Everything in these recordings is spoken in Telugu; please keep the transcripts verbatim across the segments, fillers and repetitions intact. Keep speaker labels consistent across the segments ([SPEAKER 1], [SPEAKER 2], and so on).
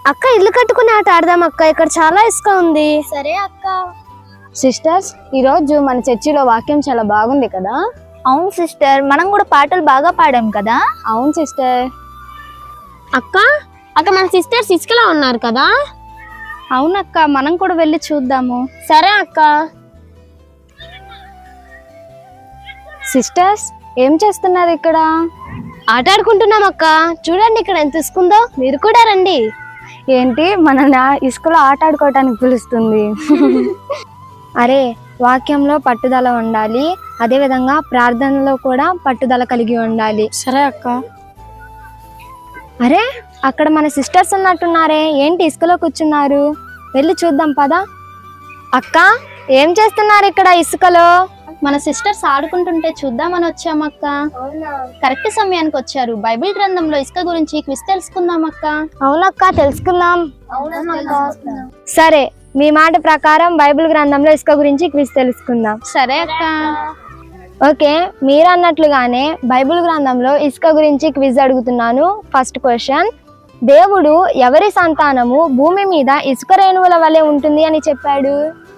[SPEAKER 1] అక్క ఇల్లు కట్టుకుని ఆట ఆడదాం అక్క, ఇక్కడ చాలా ఇసుక ఉంది.
[SPEAKER 2] సరే అక్క.
[SPEAKER 3] సిస్టర్స్, ఈ రోజు మన చర్చిలో వాక్యం చాలా బాగుంది కదా?
[SPEAKER 2] అవును సిస్టర్, మనం కూడా పాటలు బాగా పాడాం కదా?
[SPEAKER 3] అవును సిస్టర్.
[SPEAKER 1] అక్క అక్క మన సిస్టర్స్ ఇసుకలా ఉన్నారు కదా?
[SPEAKER 3] అవునక్క, మనం కూడా వెళ్ళి చూద్దాము.
[SPEAKER 1] సరే అక్క.
[SPEAKER 3] సిస్టర్స్, ఏం చేస్తున్నారు ఇక్కడ?
[SPEAKER 1] ఆట ఆడుకుంటున్నాం అక్క. చూడండి ఇక్కడ ఎంత ఇసుకుందో, మీరు కూడా రండి.
[SPEAKER 3] ఏంటి, మనల్ని ఇసుకలో ఆట ఆడుకోవటానికి పిలుస్తుంది? అరే, వాక్యంలో పట్టుదల ఉండాలి, అదే విధంగా ప్రార్థనలో కూడా పట్టుదల కలిగి ఉండాలి.
[SPEAKER 1] సరే అక్క.
[SPEAKER 3] అరే, అక్కడ మన సిస్టర్స్ ఉన్నట్టున్నారే, ఏంటి ఇసుకలో కూర్చున్నారు? వెళ్ళి చూద్దాం పదా. అక్క, ఏం చేస్తున్నారు ఇక్కడ ఇసుకలో?
[SPEAKER 2] మన సిస్టర్స్ ఆడుకుంటుంటే చూద్దామని వచ్చామక్క. కరెక్ట్ సమయానికి వచ్చారు. బైబిల్ గ్రంథంలో ఇసుక గురించి క్విజ్ తెలుసుకుందాం అక్క.
[SPEAKER 3] అవునక్క, తెలుసుకుందాం. సరే, మీ మాట ప్రకారం బైబిల్ గ్రంథంలో ఇసుక గురించి క్విజ్ తెలుసుకుందాం.
[SPEAKER 2] సరే అక్క.
[SPEAKER 3] ఓకే, మీరు అన్నట్లుగానే బైబిల్ గ్రంథంలో ఇసుక గురించి క్విజ్ అడుగుతున్నాను. ఫస్ట్ క్వశ్చన్, దేవుడు ఎవరి సంతానము భూమి మీద ఇసుక రేణువుల వలె ఉంటుంది అని చెప్పాడు?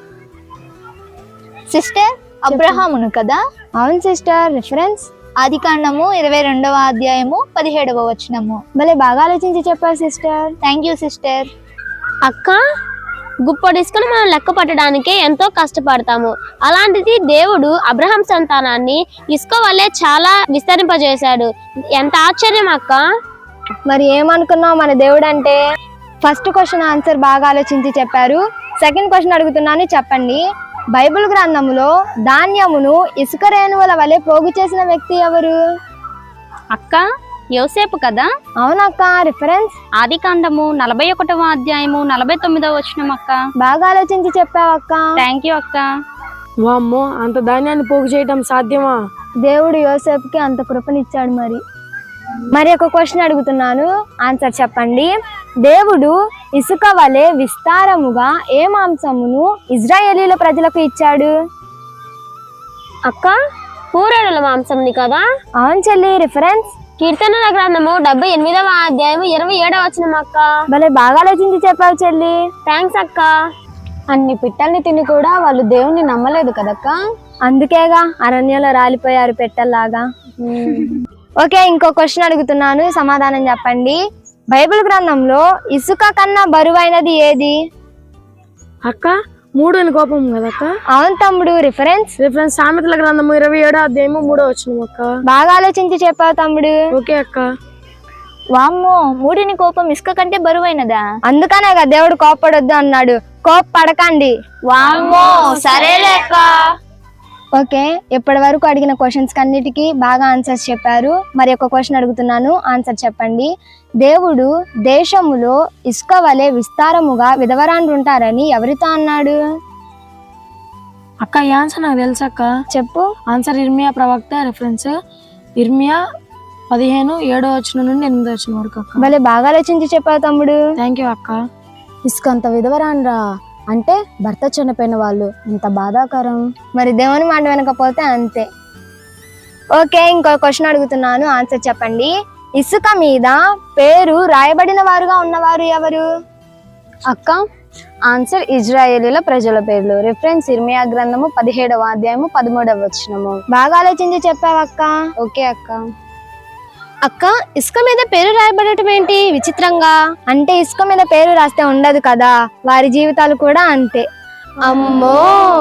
[SPEAKER 2] సిస్టర్, అబ్రహామును కదా?
[SPEAKER 3] అవును సిస్టర్. రిఫరెన్స్
[SPEAKER 2] ఆది కాండము ఇరవై రెండవ అధ్యాయము పదిహేడవ వచనము.
[SPEAKER 3] భలే బాగా ఆలోచించి చెప్పారు సిస్టర్.
[SPEAKER 2] Thank you sister.
[SPEAKER 1] అక్క, గుప్పటి ఇసుకను మనం లెక్క పట్టడానికే ఎంతో కష్టపడతాము. అలాంటిది దేవుడు అబ్రహాం సంతానాన్ని ఇసుక వల్లే చాలా విస్తరింపజేశాడు. ఎంత ఆశ్చర్యం అక్క.
[SPEAKER 3] మరి ఏమనుకున్నావు మన దేవుడు అంటే? ఫస్ట్ క్వశ్చన్ ఆన్సర్ బాగా ఆలోచించి చెప్పారు. సెకండ్ క్వశ్చన్ అడుగుతున్నాను, చెప్పండి. బైబిల్ గ్రంథములో ధాన్యమును ఇసుక రేణువుల వలె పోగు చేసిన వ్యక్తి ఎవరు?
[SPEAKER 2] అక్క, యోసేపు కదా?
[SPEAKER 3] అవునక్క. రిఫరెన్స్
[SPEAKER 2] ఆది కాండము నలభై ఒకటవ అధ్యాయము నలభై తొమ్మిదవ వచనం అక్క.
[SPEAKER 3] బాగా ఆలోచించి చెప్పావక్క.
[SPEAKER 2] థ్యాంక్ యూ అక్క.
[SPEAKER 4] వామ్మో, అంత ధాన్యాన్ని పోగు చేయటం సాధ్యమా?
[SPEAKER 3] దేవుడు యోసేపుకి అంత కృపనిచ్చాడు. మరి మరి ఒక క్వశ్చన్ అడుగుతున్నాను, ఆన్సర్ చెప్పండి. దేవుడు ఇసుక వలె విస్తారముగా ఏ మాంసమును ఇజ్రాయేలీల ప్రజలకు ఇచ్చాడు?
[SPEAKER 1] అక్క, పూరేడుల మాంసంది కదా?
[SPEAKER 3] అవును చెల్లి. రిఫరెన్స్
[SPEAKER 1] కీర్తనల గ్రంథము డెబ్బై ఎనిమిదవ అధ్యాయము ఇరవై ఏడవ వచనం అక్క.
[SPEAKER 3] భలే బాగా ఆలోచించి చెప్పావు చెల్లి.
[SPEAKER 1] థ్యాంక్స్ అక్క.
[SPEAKER 3] అన్ని పిట్టల్ని తిని కూడా వాళ్ళు దేవుణ్ణి నమ్మలేదు కదక్క, అందుకేగా అరణ్యంలో రాలిపోయారు పెట్టల్లాగా. ఓకే, ఇంకో క్వశ్చన్ అడుగుతున్నాను, సమాధానం చెప్పండి. బైబిల్ గ్రంథంలో ఇసుక కన్నా బరువైనది ఏది?
[SPEAKER 4] అక్క, మూడు అని కోపం కదక్క?
[SPEAKER 3] అవును తమ్ముడు. రిఫరెన్స్
[SPEAKER 4] రిఫరెన్స్ సామెతల గ్రంథము ఇరవై ఏడో అధ్యాయము మూడో వచనం అక్క.
[SPEAKER 3] బాగా ఆలోచించి చెప్పావు తమ్ముడు.
[SPEAKER 4] ఓకే అక్క.
[SPEAKER 2] వామ్మో, మూడిని కోపం ఇసుక కంటే బరువైనదా?
[SPEAKER 3] అందుకనేగా దేవుడు కోప్పడొద్దు అన్నాడు. కోప పడకండి.
[SPEAKER 2] వామ్మో, సరేలే అక్క.
[SPEAKER 3] ఓకే, ఇప్పటి వరకు అడిగిన క్వశ్చన్స్ అన్నిటికీ బాగా ఆన్సర్స్ చెప్పారు. మరి ఒక క్వశ్చన్ అడుగుతున్నాను, ఆన్సర్ చెప్పండి. దేవుడు దేశములో ఇసుక వలె విస్తారముగా విధవరాండ్రు ఉంటారని ఎవరితో అన్నాడు?
[SPEAKER 4] అక్క, ఈ ఆన్సర్ నాకు తెలుసక్క.
[SPEAKER 3] చెప్పు.
[SPEAKER 4] ఆన్సర్ ఇర్మియా ప్రవక్త. రిఫరెన్స్ ఇర్మియా పదిహేను ఏడో వచనం నుండి ఎనిమిదో వచనం వరకు అక్క.
[SPEAKER 3] భలే బాగా ఆలోచించి చెప్పావు తమ్ముడు.
[SPEAKER 4] థ్యాంక్ యూ అక్క.
[SPEAKER 3] ఇసుక అంత విధవరాండ్రా అంటే భర్త చనిపోయిన వాళ్ళు, ఎంత బాధాకరం. మరి దేవుని మాట వినకపోతే అంతే. ఓకే, ఇంకో క్వశ్చన్ అడుగుతున్నాను, ఆన్సర్ చెప్పండి. ఇసుక మీద పేరు రాయబడిన వారుగా ఉన్నవారు ఎవరు? అక్క, ఆన్సర్ ఇజ్రాయేలీల ప్రజల పేర్లు. రిఫరెన్స్ ఇర్మియా గ్రంథము పదిహేడవ అధ్యాయము పదమూడవ వచనము. బాగా ఆలోచించి చెప్పావక్క. ఓకే అక్క.
[SPEAKER 1] అక్క, ఇసుక మీద పేరు రాయబడటం ఏంటి విచిత్రంగా?
[SPEAKER 3] అంటే ఇసుక మీద పేరు రాస్తే ఉండదు కదా, వారి జీవితాలు కూడా అంతే.
[SPEAKER 1] అమ్మో.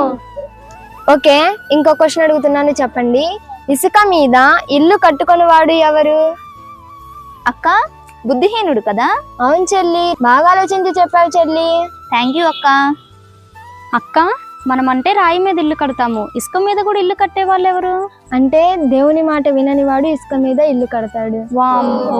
[SPEAKER 3] ఓకే, ఇంకో క్వశ్చన్ అడుగుతున్నాను, చెప్పండి. ఇసుక మీద ఇల్లు కట్టుకొని వాడు ఎవరు?
[SPEAKER 2] అక్క, బుద్ధిహీనుడు కదా?
[SPEAKER 3] అవును చెల్లి, బాగా ఆలోచించి చెప్పావు చెల్లి.
[SPEAKER 2] థ్యాంక్ యూ అక్క. అక్క, మనం అంటే రాయి మీద ఇల్లు కడతాము, ఇసుక మీద కూడా ఇల్లు కట్టే వాళ్ళు ఎవరు?
[SPEAKER 3] అంటే దేవుని మాట వినని వాడు ఇసుక మీద ఇల్లు కడతాడు.
[SPEAKER 2] వామ్మో.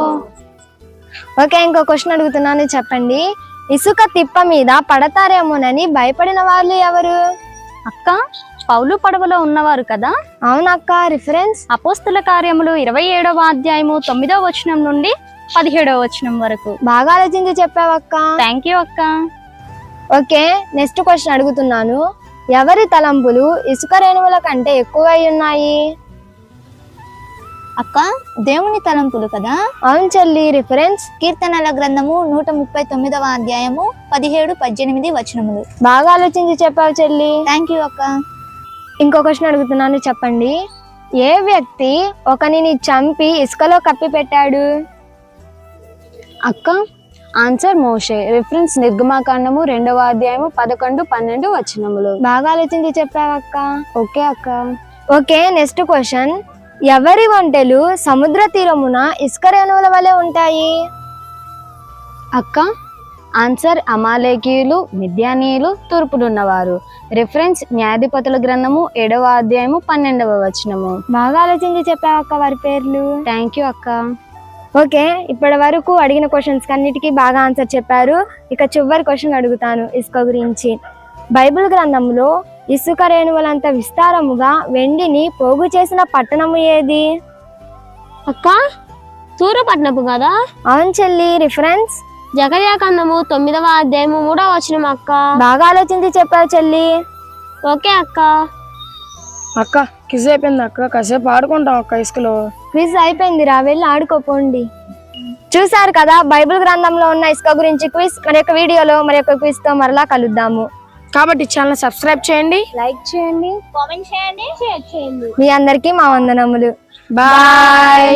[SPEAKER 3] ఓకే, ఇంకో క్వశ్చన్ అడుగుతున్నాను, చెప్పండి. ఇసుక తిప్ప మీద పడతారేమోనని భయపడిన వాళ్ళు ఎవరు?
[SPEAKER 2] అక్క, పౌలు పడవలో ఉన్నవారు కదా?
[SPEAKER 3] అవునక్క. రిఫరెన్స్
[SPEAKER 2] అపోస్తుల కార్యములు ఇరవై ఏడవ అధ్యాయము తొమ్మిదవ వచనం నుండి పదిహేడవ వచనం వరకు.
[SPEAKER 3] బాగా ఆలోచించి చెప్పావక్క.
[SPEAKER 2] థ్యాంక్ యూ అక్క.
[SPEAKER 3] ఓకే, నెక్స్ట్ క్వశ్చన్ అడుగుతున్నాను. ఎవరి తలంపులు ఇసుక రేణువుల కంటే ఎక్కువై ఉన్నాయి?
[SPEAKER 2] అక్క దేవుని తలంపులు కదా.
[SPEAKER 3] అవును చెల్లి. రిఫరెన్స్
[SPEAKER 2] కీర్తనల గ్రంథము నూట ముప్పై తొమ్మిదవ అధ్యాయము పదిహేడు పద్దెనిమిది వచనములు.
[SPEAKER 3] బాగా ఆలోచించి చెప్పావు చెల్లి.
[SPEAKER 2] థ్యాంక్ యూ అక్క.
[SPEAKER 3] ఇంకో క్వశ్చన్ అడుగుతున్నాను, చెప్పండి. ఏ వ్యక్తి ఒకనిని చంపి ఇసుకలో కప్పి పెట్టాడు?
[SPEAKER 4] అక్క ఆన్సర్ మోషే. రిఫరెన్స్ నిర్గమాకాండము రెండవ అధ్యాయము పదకొండు పన్నెండు వచనములు.
[SPEAKER 3] బాగా ఆలోచించి చెప్పావు అక్క.
[SPEAKER 4] ఓకే అక్క.
[SPEAKER 3] Okay, next question. ఎవరి ఒంటెలు సముద్ర తీరమున ఇసుక రేణువుల వలె ఉంటాయి?
[SPEAKER 4] అక్క ఆన్సర్ అమాలేకీయులు, మిద్యానీయులు, తూర్పులున్నవారు. రిఫరెన్స్ న్యాయాధిపతుల గ్రంథము ఏడవ అధ్యాయము పన్నెండవ వచనము.
[SPEAKER 3] బాగా ఆలోచించి చెప్పావు అక్క వారి పేర్లు.
[SPEAKER 4] థ్యాంక్ యూ అక్క.
[SPEAKER 3] ఓకే, ఇప్పటి వరకు అడిగిన క్వశ్చన్స్ అన్నిటికీ బాగా ఆన్సర్ చెప్పారు. ఇక చివరి క్వశ్చన్ అడుగుతాను ఇసుక గురించి. బైబిల్ గ్రంథంలో ఇసుక రేణువులంత విస్తారముగా వెండిని పోగు చేసిన పట్టణము ఏది?
[SPEAKER 1] అక్క తూరపట్నపు కదా.
[SPEAKER 3] అవును చెల్లి. రిఫరెన్స్
[SPEAKER 1] జకర్యా కందము తొమ్మిదవ అధ్యాయము మూడవ వచనం అక్క.
[SPEAKER 3] బాగా ఆలోచించి చెప్పావు చెల్లి.
[SPEAKER 1] ఓకే అక్క.
[SPEAKER 4] అక్క కిజ్ అయిపోయింది అక్క, కాసేపు ఆడుకుంటాం అక్క ఇసుకలో.
[SPEAKER 3] క్విజ్ అయిపోయింది రా, వెళ్ళి ఆడుకోపోండి. చూసారు కదా బైబిల్ గ్రంథంలో ఉన్న ఇసుక గురించి క్విజ్. మరి యొక్క వీడియోలో మరి యొక్క క్విజ్ తో మరలా కలుద్దాము.
[SPEAKER 4] కాబట్టి ఛానల్ సబ్స్క్రైబ్ చేయండి,
[SPEAKER 3] లైక్ చేయండి,
[SPEAKER 2] కామెంట్ చేయండి, షేర్ చేయండి.
[SPEAKER 3] మీ అందరికీ మా వందనములు.
[SPEAKER 4] బాయ్.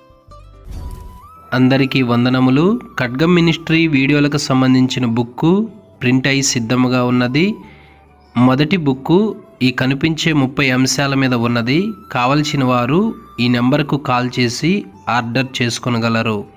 [SPEAKER 5] అందరికీ వందనములు. ఖడ్గం మినిస్ట్రీ వీడియోలకు సంబంధించిన బుక్కు ప్రింట్ అయి సిద్ధముగా ఉన్నది. మొదటి బుక్కు ఈ కనిపించే ముప్పై అంశాల మీద ఉన్నది. కావలసిన వారు ఈ నెంబర్కు కాల్ చేసి ఆర్డర్ చేసుకొనగలరు.